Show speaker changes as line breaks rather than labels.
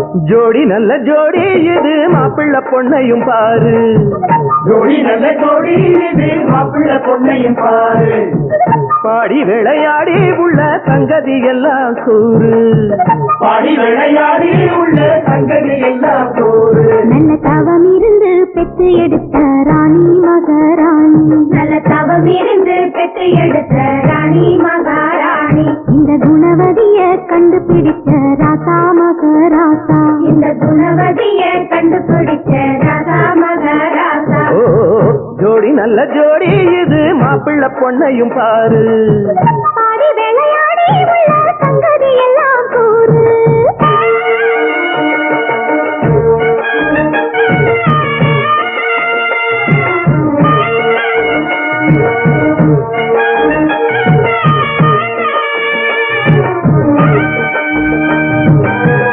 ஜோடி நல்ல ஜோடி இது மாப்பிள்ளை பொண்ணையும் பாரு.
ஜோடி நல்ல ஜோடி இது மாப்பிள்ளை பொண்ணையும் பாரு.
பாடி விளையாடி உள்ள சங்கதி எல்லாம் கூறு.
பாடி விளையாடி உள்ள சங்கதி எல்லாம் கூறு.
நல்ல தவம் இருந்து பெற்று எடுத்த ராணி மகாராணி. நல்ல தவம் இருந்து பெற்று எடுத்த ராணி மகாராணி. இந்த குணவதிய கண்டுபிடிச்ச ராசா மகராசா. இந்த குணவதிய கண்டுபிடிச்ச ராசா மகராசா.
ஜோடி நல்ல ஜோடி இது மாப்பிள்ளை பொண்ணையும் பாரு.